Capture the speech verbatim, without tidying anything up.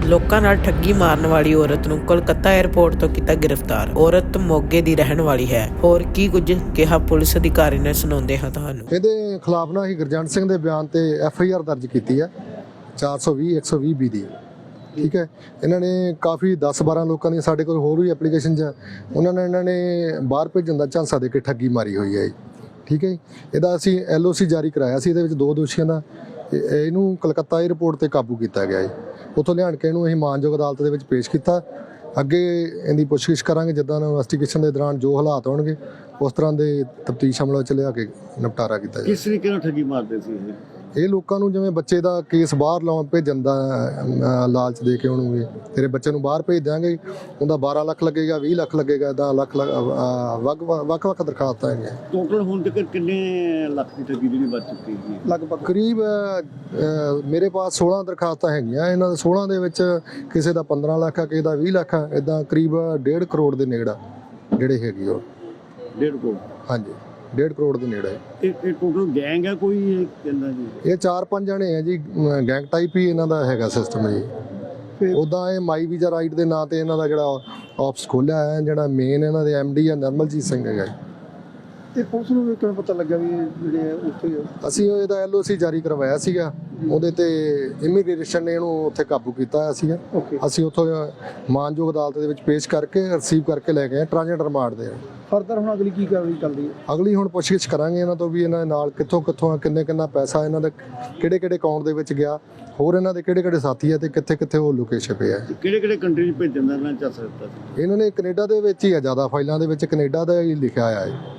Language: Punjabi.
ਲੋਕਾਂ ਨਾਲ ਠੱਗੀ ਮਾਰਨ ਵਾਲੀ ਔਰਤ ਨੂੰ ਕੋਲਕਾਤਾ 에ਅਰਪੋਰਟ ਤੋਂ ਕੀਤਾ ਗ੍ਰਿਫਤਾਰ। ਔਰਤ ਮੋਗੇ ਦੀ ਰਹਿਣ ਵਾਲੀ ਹੈ। ਹੋਰ ਕੀ ਕੁਝ ਕਿਹਾ ਪੁਲਿਸ ਅਧਿਕਾਰੀ ਨੇ, ਸੁਣਾਉਂਦੇ ਹਾਂ ਤੁਹਾਨੂੰ। ਇਹਦੇ ਖਿਲਾਫ ਨਾ ਹੀ ਗੁਰਜੰਟ ਸਿੰਘ ਦੇ ਬਿਆਨ ਤੇ ਐਫ ਆਈ ਆਰ ਦਰਜ ਕੀਤੀ ਹੈ ਚਾਰ ਸੌ ਵੀਹ ਇੱਕ ਸੌ ਵੀਹ ਬੀ ਦੀ। ਠੀਕ ਹੈ, ਇਹਨਾਂ ਨੇ ਕਾਫੀ ਦਸ ਬਾਰਾਂ ਲੋਕਾਂ ਦੀਆਂ ਸਾਡੇ ਕੋਲ ਹੋਰ ਵੀ ਐਪਲੀਕੇਸ਼ਨ 'ਚ ਉਹਨਾਂ ਨੇ ਇਹਨਾਂ ਨੇ ਬਾਹਰ ਭੇਜਣ ਦਾ ਝਾਂਸਾ ਦੇ ਕੇ ਠੱਗੀ ਮਾਰੀ ਹੋਈ ਹੈ। ਠੀਕ ਹੈ, ਇਹਦਾ ਅਸੀਂ ਐਲ ਓ ਸੀ ਜਾਰੀ ਕਰਾਇਆ ਸੀ। ਇਹਦੇ ਵਿੱਚ ਦੋ ਦੋਸ਼ੀਆਂ ਦਾ ਇਹਨੂੰ ਕਲਕੱਤਾ ਏਅਰਪੋਰਟ ਤੇ ਕਾਬੂ ਕੀਤਾ ਗਿਆ ਹੈ। ਉੱਥੋਂ ਲਿਆਣ ਕੇ ਇਹਨੂੰ ਅਸੀਂ ਮਾਨਯੋਗ ਅਦਾਲਤ ਦੇ ਵਿੱਚ ਪੇਸ਼ ਕੀਤਾ। ਅੱਗੇ ਇਹਦੀ ਪੁੱਛਗਿੱਛ ਕਰਾਂਗੇ, ਜਿੱਦਾਂ ਇਨਵੈਸਟੀਗੇਸ਼ਨ ਦੇ ਦੌਰਾਨ ਜੋ ਹਾਲਾਤ ਹੋਣਗੇ ਉਸ ਤਰ੍ਹਾਂ ਦੇ ਤਫਤੀਸ਼ ਅਮਲ ਵਿੱਚ ਲਿਆ ਕੇ ਨਿਪਟਾਰਾ ਕੀਤਾ ਜਾਵੇ। ਕਿਸ ਤਰੀਕੇ ਨਾਲ ਠੱਗੀ ਮਾਰਦੇ ਸੀ ਇਹ? ਇਹ ਲੋਕਾਂ ਨੂੰ ਜਿਵੇਂ ਬੱਚੇ ਦਾ ਕੇਸ ਬਾਹਰ ਲਾਉਣ ਭੇਜਣ ਦਾ ਲਾਲਚ ਦੇ ਕੇ ਉਹਨੂੰ ਵੀ ਤੇਰੇ ਬੱਚੇ ਨੂੰ ਬਾਹਰ ਭੇਜ ਦਿਆਂਗੇ, ਉਹਦਾ ਬਾਰਾਂ ਲੱਖ ਲੱਗੇਗਾ, ਵੀਹ ਲੱਖ ਲੱਗੇਗਾ, ਇੱਦਾਂ ਲੱਖ ਵੱਖ ਵੱਖ ਵੱਖ ਦਰਖਾਸਤਾਂ ਹੈਗੀਆਂ। ਟੋਟਲ ਹੁਣ ਤੱਕ ਕਿੰਨੇ ਲੱਖ ਦੀ ਠੱਗੀ ਜਿਹੜੀ ਬਚ ਚੁੱਕੀ ਹੈ? ਲਗਭਗ ਕਰੀਬ ਮੇਰੇ ਪਾਸ ਸੋਲਾਂ ਦਰਖਾਸਤਾਂ ਹੈਗੀਆਂ। ਇਹਨਾਂ ਦੇ ਸੋਲਾਂ ਦੇ ਵਿੱਚ ਕਿਸੇ ਦਾ ਪੰਦਰਾਂ ਲੱਖ ਆ, ਕਿਸੇ ਦਾ ਵੀਹ ਲੱਖ ਆ, ਇੱਦਾਂ ਕਰੀਬ ਡੇਢ ਕਰੋੜ ਦੇ ਨੇੜੇ ਜਿਹੜੇ ਹੈਗੇ ਉਹ। ਡੇਢ ਕਰੋੜ? ਹਾਂਜੀ, ਡੇਢ ਕਰੋੜ ਦੇ ਨੇੜੇ। ਇਹ ਇਹ ਟੋਟਲ ਗੈਂਗ ਹੈ ਕੋਈ ਇਹ ਕਹਿੰਦਾ ਜੀ? ਇਹ ਚਾਰ ਪੰਜ ਜਣੇ ਆ ਜੀ, ਗੈਂਗ ਟਾਈਪ ਹੀ ਇਹਨਾਂ ਦਾ ਹੈਗਾ ਸਿਸਟਮ ਜੀ। ਉੱਦਾਂ ਇਹ ਮਾਈ ਵੀਜ਼ਾ ਰਾਈਟ ਦੇ ਨਾਂ ਤੇ ਇਹਨਾਂ ਦਾ ਜਿਹੜਾ ਆਫਿਸ ਖੋਲ੍ਹਿਆ ਹੈ, ਜਿਹੜਾ ਮੇਨ ਇਹਨਾਂ ਦੇ ਐਮ ਡੀ ਆ ਨਿਰਮਲਜੀਤ ਸਿੰਘ ਹੈਗਾ। ਤੇ ਪੁਲਿਸ ਨੂੰ ਕਿਵੇਂ ਪਤਾ ਲੱਗਾ ਵੀ ਜਿਹੜੇ ਉੱਥੇ? ਅਸੀਂ ਇਹਦਾ ਐਲ ਓ ਸੀ ਜਾਰੀ ਕਰਵਾਇਆ ਸੀਗਾ, ਉਹਦੇ ਤੇ ਇਮੀਗ੍ਰੇਸ਼ਨ ਨੇ ਇਹਨੂੰ ਉੱਥੇ ਕਾਬੂ ਕੀਤਾ ਹੋਇਆ ਸੀਗਾ। ਅਸੀਂ ਉੱਥੋਂ ਮਾਨਯੋਗ ਅਦਾਲਤ ਦੇ ਵਿੱਚ ਪੇਸ਼ ਕਰਕੇ ਰਿਸੀਵ ਕਰਕੇ ਲੈ ਗਏ ਟ੍ਰਾਂਜ਼ਿਟ ਰਿਮਾਂਡ ਦੇ। ਫਰਦਰ ਹੁਣ ਅਗਲੀ ਕੀ ਕਾਰਵਾਈ ਚੱਲਦੀ ਹੈ? ਅਗਲੀ ਹੁਣ ਪੁੱਛਗਿੱਛ ਕਰਾਂਗੇ ਇਹਨਾਂ ਤੋਂ ਵੀ ਇਹਨਾਂ ਦੇ ਨਾਲ ਕਿੱਥੋਂ ਕਿੱਥੋਂ ਕਿੰਨੇ ਕਿੰਨਾ ਪੈਸਾ ਇਹਨਾਂ ਦੇ ਕਿਹੜੇ ਕਿਹੜੇ ਅਕਾਊਂਟ ਦੇ ਵਿੱਚ ਗਿਆ, ਹੋਰ ਇਹਨਾਂ ਦੇ ਕਿਹੜੇ ਕਿਹੜੇ ਸਾਥੀ ਆ ਤੇ ਕਿੱਥੇ ਕਿੱਥੇ ਉਹ ਲੁਕੇ ਛਿਪੇ ਆ। ਕਿਹੜੇ ਕਿਹੜੇ ਕੰਟਰੀ 'ਚ ਭੇਜਣ ਦਾ ਇਹਨਾਂ ਚੱਲ ਸਕਦਾ ਸੀ? ਇਹਨਾਂ ਨੇ ਕੈਨੇਡਾ ਦੇ ਵਿੱਚ ਹੀ ਆ, ਜ਼ਿਆਦਾ ਫਾਈਲਾਂ ਦੇ ਵਿੱਚ ਕੈਨੇਡਾ ਦਾ ਹੀ ਲਿਖਿਆ ਹੋਇਆ ਹੈ।